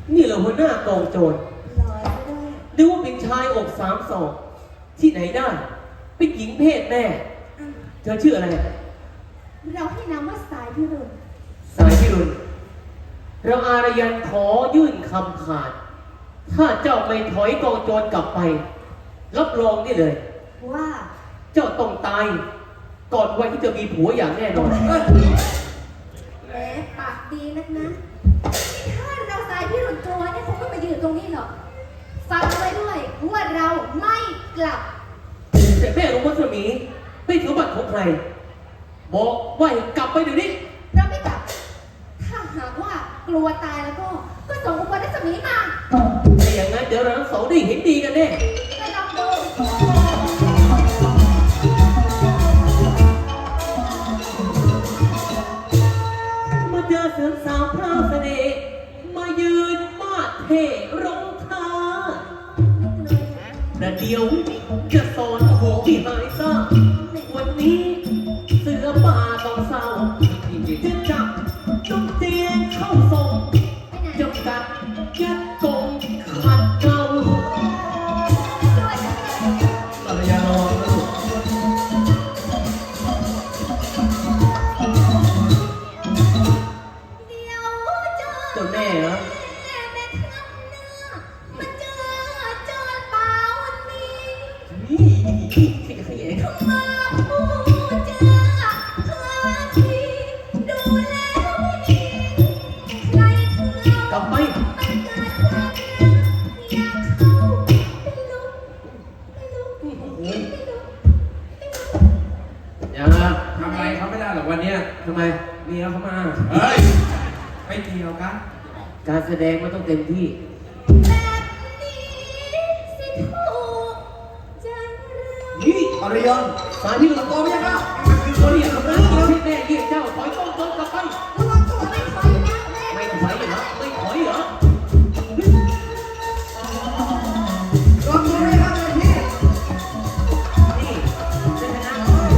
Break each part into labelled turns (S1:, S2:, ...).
S1: นี่เหรอหัวหน้ากองโจรนึกว่าเป็นชายอก3 ศอกที่ไหนได้เป็นหญิงเพศแม่เธอชื่ออะไร
S2: เราให้นามว่าสายพิรุณ
S1: สายพิรุณเราอารยันขอยื่นคำขาดถ้าเจ้าไม่ถอยกองโจรกลับไปรับรองนี่เลย
S2: ว่า
S1: เจ้าต้องตายก่อนวันที่จะมีผัวอย่างแน่นอน
S2: แหมปากดีนักนะถ้าเราสายพิรุณโจรเนี่ยคงไม่มายืนตรงนี้หรอกฟังไว้ด้วยว่าเราไม่กลับ
S1: แต่แม่รู้ว่าสมีไม่ถือบัตรของใครบอกว่าให้กลับไปเดี๋ยวนี้
S2: เราไม่กลับถ้าหากว่ากลัวตายแล้วก็ส่งอุปนิสัยมีมา
S1: แต่อย่างนั้นเดี๋ยวเราทั้งสองได้เห็นดีกันแน่
S2: ไปลองดู
S1: มาเจอเสือสาวพราวเสน่ห์มายืนมาดเทร้องท้าแต่เดียวจะสอนโหที่หายซาวันนี้เสือป่าต้องเศร้าจะจับจุกเตียนเข้าทรงจะกัดยัดกงขัดเกลาภรรยาระวังนะลูกเจ้าแม่เหรอกลับไป
S3: ยังนะทำอะไรเขาไม่ได้หรอกวันนี้
S1: ทำไม
S3: เมียเขามาเฮ้ยไม่เกี่ยวกัน
S1: การแสดงมันต้องเต็มที่นี่
S3: อริยน
S1: สายที่หลังตัวไม่ใช่ป่ะคือคนที่อยากทำร้ายชีวิตแม่เยี่ยเจ้าถอยต้องกลับไประ
S2: วังตัวไม่ถอยนะแม่
S1: ไม่ถอยเหรอไม่ถอยเหรอ
S3: ลองดูไหมครับเลยพี่
S1: นี่เจ้าชนะ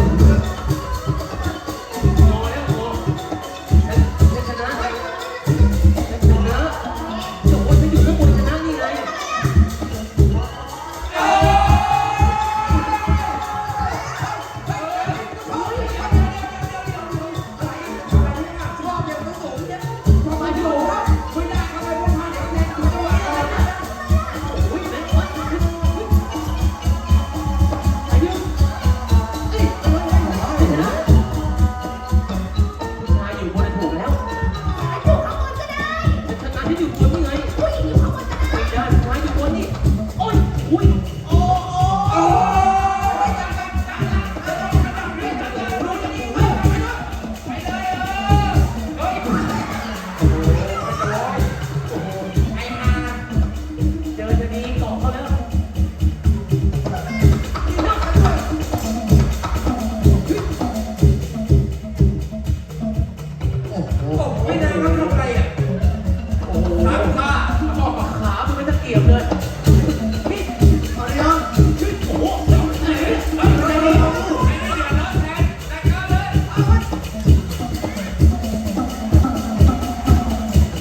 S1: งอแล้วงอเจ้าชนะจบว่าจะอยู่ข้างบนชนะนี่ไงอุ้ย